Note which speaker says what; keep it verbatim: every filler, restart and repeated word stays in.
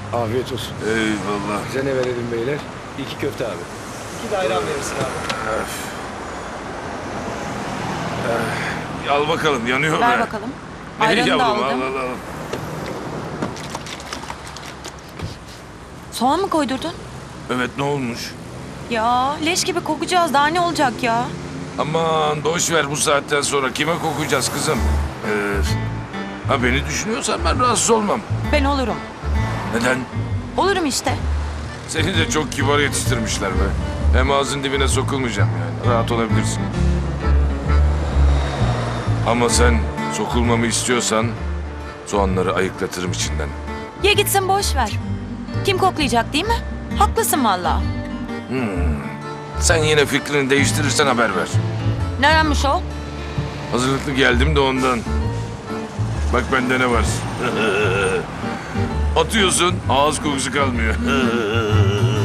Speaker 1: Afiyet olsun.
Speaker 2: Eyvallah.
Speaker 1: Size ne verelim beyler? İki köfte abi.
Speaker 3: İki de ayran verirsin abi.
Speaker 2: Al bakalım, yanıyor
Speaker 4: Ver
Speaker 2: be.
Speaker 4: bakalım.
Speaker 2: Ne
Speaker 4: Ayranı da
Speaker 2: yavrum,
Speaker 4: aldım.
Speaker 2: al al al.
Speaker 4: Soğan mı koydurdun?
Speaker 2: Evet, ne olmuş?
Speaker 4: Ya leş gibi kokacağız. Daha ne olacak ya?
Speaker 2: Aman boş ver, bu saatten sonra kime kokacağız kızım? Ee, ha beni düşünüyorsan ben rahatsız olmam.
Speaker 4: Ben olurum.
Speaker 2: Neden?
Speaker 4: Olurum işte.
Speaker 2: Seni de çok kibar yetiştirmişler be. Hem ağzın dibine sokulmayacağım yani. Rahat olabilirsin. Ama sen sokulmamı istiyorsan soğanları ayıklatırım içinden.
Speaker 4: Ye gitsin boş ver. Kim koklayacak değil mi? Haklısın valla.
Speaker 2: Sen yine fikrini değiştirirsen haber ver.
Speaker 4: Nerenmiş o?
Speaker 2: Hazırlıklı geldim de ondan. Bak bende ne var. Atıyorsun, ağız kokusu kalmıyor.